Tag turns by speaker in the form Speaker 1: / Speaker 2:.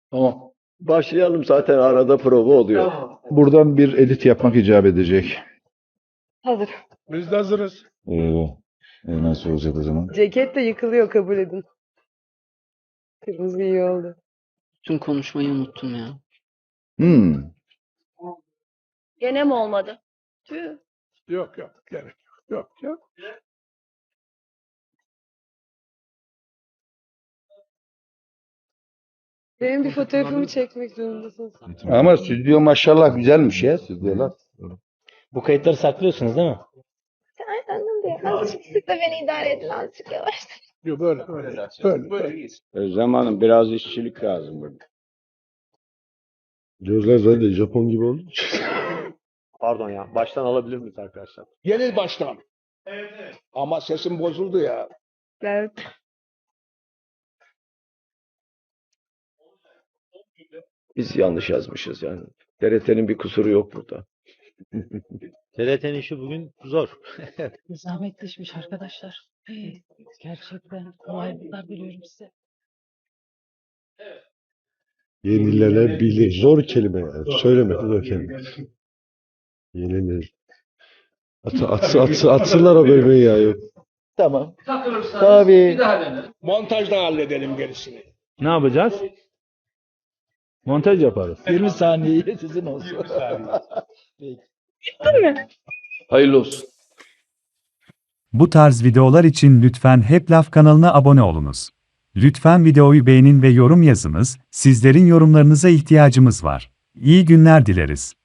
Speaker 1: Tamam.
Speaker 2: Başlayalım, zaten arada prova oluyor.
Speaker 3: Buradan bir edit yapmak icap edecek.
Speaker 4: Hazır.
Speaker 1: Biz de hazırız.
Speaker 3: Nasıl olacak o zaman?
Speaker 4: Ceket de yıkılıyor, kabul edin. Kırmızı iyi oldu.
Speaker 5: Tüm konuşmayı unuttum ya.
Speaker 6: Gene mi olmadı? Tüh.
Speaker 1: Yok yok. Gerek yok. Yok yok.
Speaker 4: Benim bir fotoğrafımı çekmek zorundasın.
Speaker 3: Ama stüdyo maşallah güzelmiş ya stüdyolar.
Speaker 7: Bu kayıtları saklıyorsunuz değil mi?
Speaker 6: Aynen de. Azıcık sık da beni idare edin, azıcık yavaş.
Speaker 1: Yok böyle. Böyle.
Speaker 2: Özlem Hanım, biraz işçilik lazım burada.
Speaker 8: Gözler zaten Japon gibi oldu.
Speaker 9: Pardon ya. Baştan alabilir miyiz arkadaşlar?
Speaker 1: Yeni baştan. Ama sesim bozuldu ya.
Speaker 4: Evet.
Speaker 2: Biz yanlış yazmışız yani. TRT'nin bir kusuru yok burada.
Speaker 9: TRT'nin işi bugün zor.
Speaker 5: Zahmetleşmiş arkadaşlar. Gerçekten kolaylıklar diliyorum size.
Speaker 8: Yenilenebilir. Zor kelime yani. Söylemek zor kelime. Yenilenebilir. Atsınlar o bölmeyi ya. Yok.
Speaker 3: Tamam.
Speaker 1: Takılırsanız
Speaker 3: Tabii.
Speaker 1: bir daha denelim. Montajda halledelim gerisini.
Speaker 7: Ne yapacağız? Montaj yaparız.
Speaker 3: 20 saniye sizin olsun.
Speaker 2: Hayırlı olsun.
Speaker 10: Bu tarz videolar için lütfen Hep Laf kanalına abone olunuz. Lütfen videoyu beğenin ve yorum yazınız, sizlerin yorumlarınıza ihtiyacımız var. İyi günler dileriz.